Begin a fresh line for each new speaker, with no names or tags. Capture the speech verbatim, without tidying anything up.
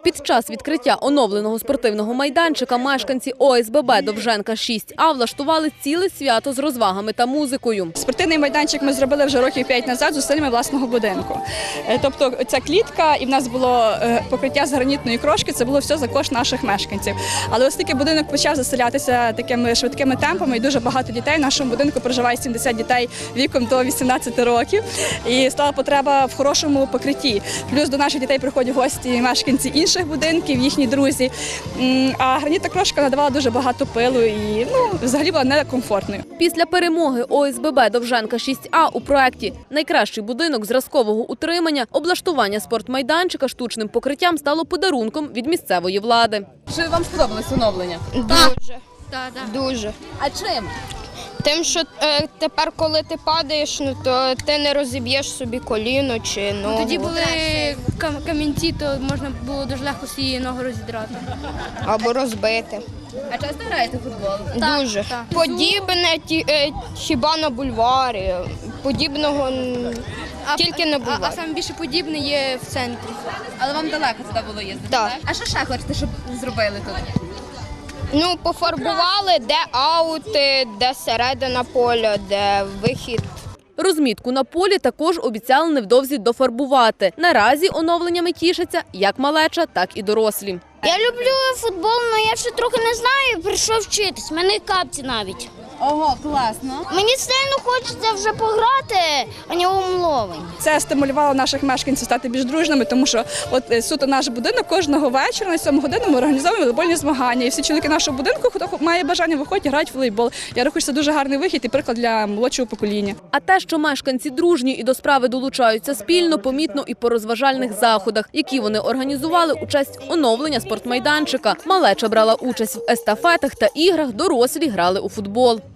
Під час відкриття оновленого спортивного майданчика мешканці О С Б Б Довженка шість А влаштували ціле свято з розвагами та музикою.
Спортивний майданчик ми зробили вже років п'ять назад з зусиллями власного будинку. Тобто ця клітка і в нас було покриття з гранітної крошки, це було все за кошт наших мешканців. Але оскільки будинок почав заселятися такими швидкими темпами і дуже багато дітей, в нашому будинку проживає сімдесят дітей віком до вісімнадцяти років і стала потреба в хорошому покритті. Плюс до наших дітей приходять гості мешканці інших будинків, їхні друзі. А гранітна крошка надавала дуже багато пилу і ну, взагалі була некомфортною.
Після перемоги О С Б Б Довженка шість А у проєкті «Найкращий будинок зразкового утримання» облаштування спортмайданчика штучним покриттям стало подарунком від місцевої влади. Чи вам сподобалось оновлення?
Дуже.
Так, так.
Дуже.
А чим?
Тим, що е, тепер, коли ти падаєш, ну то ти не розіб'єш собі коліно чи ногу.
Тоді були кам- камінці, то можна було дуже легко свою ногу розідрати.
Або розбити.
А часто граєте в футбол?
Дуже.
так.
Подібне ті, е, хіба на бульварі. Подібного м, тільки на
А,
бульварі.
а саме більше подібне є в центрі.
Але вам далеко туди було їздити,
Так.
А що ще хочете, щоб зробили тут?
Ну, пофарбували, де аути, де середина поля, де вихід.
Розмітку на полі також обіцяли невдовзі дофарбувати. Наразі оновленнями тішаться як малеча, так і дорослі.
Я люблю футбол, але я ще трохи не знаю, прийшов вчитись. У мене капці навіть.
Ого, класно.
Мені сильно хочеться вже пограти, а не умловень.
Це стимулювало наших мешканців стати більш дружними, тому що от е, суто наш будинок кожного вечора на сьому годину ми організовуємо волейбольні змагання. І всі чоловіки нашого будинку, хто має бажання, виходять, грають в волейбол. Я рахую, що це дуже гарний вихід і приклад для молодшого покоління.
А те, що мешканці дружні і до справи долучаються спільно, помітно і по розважальних заходах, які вони організували у честь оновлення спортмайданчика. Малеча брала участь в естафетах та іграх, дорослі грали у футбол.